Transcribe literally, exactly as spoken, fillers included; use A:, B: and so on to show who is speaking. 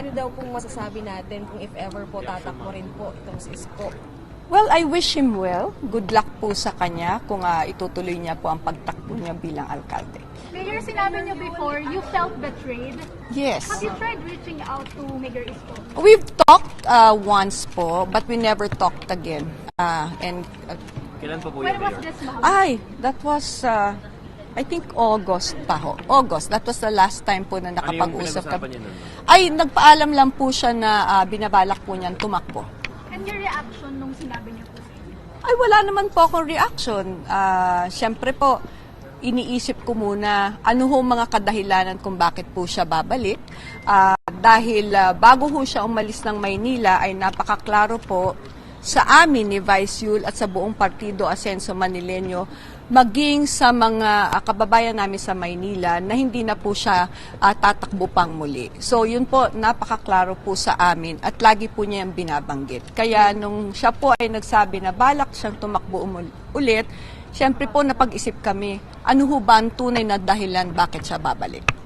A: ano daw pong masasabi natin kung if ever po tatakbo rin po itong si Isko?
B: Well, I wish him well. Good luck po sa kanya kung uh, itutuloy niya po ang pagtakbo niya bilang alkalde.
C: Mayor, sinabi niyo before, you felt betrayed.
B: Yes.
C: Have you tried reaching out to Mayor Isko?
B: We've talked uh, once po, but we never talked again. Uh, and uh,
D: Kailan pa po
C: When
D: yun,
C: was
D: Mayor?
C: this, ma'am?
B: Ay, that was, uh, I think August pa ho. August, that was the last time po na
D: Ano yung
B: nakapag-usap
D: pinag-usapan
B: kami.
D: niyo nun? ma'am?
B: Ay, nagpaalam lang po siya na uh, binabalak po niyan tumakbo.
C: And your reaction nung sinabi niyo po sa inyo?
B: Ay, wala naman po akong reaction. Uh, Siyempre po, iniisip ko muna ano ho mga kadahilanan kung bakit po siya babalik. Uh, dahil uh, bago ho siya umalis ng Maynila ay napakaklaro po sa amin ni Vice Yul at sa buong Partido Asenso Manileño, maging sa mga uh, kababayan namin sa Maynila na hindi na po siya uh, tatakbo pang muli. So yun po, napakaklaro po sa amin at lagi po niya yung binabanggit. Kaya nung siya po ay nagsabi na balak siyang tumakbo umul- ulit, siyempre po napag-isip kami, ano ho ba ang tunay na dahilan bakit siya babalik?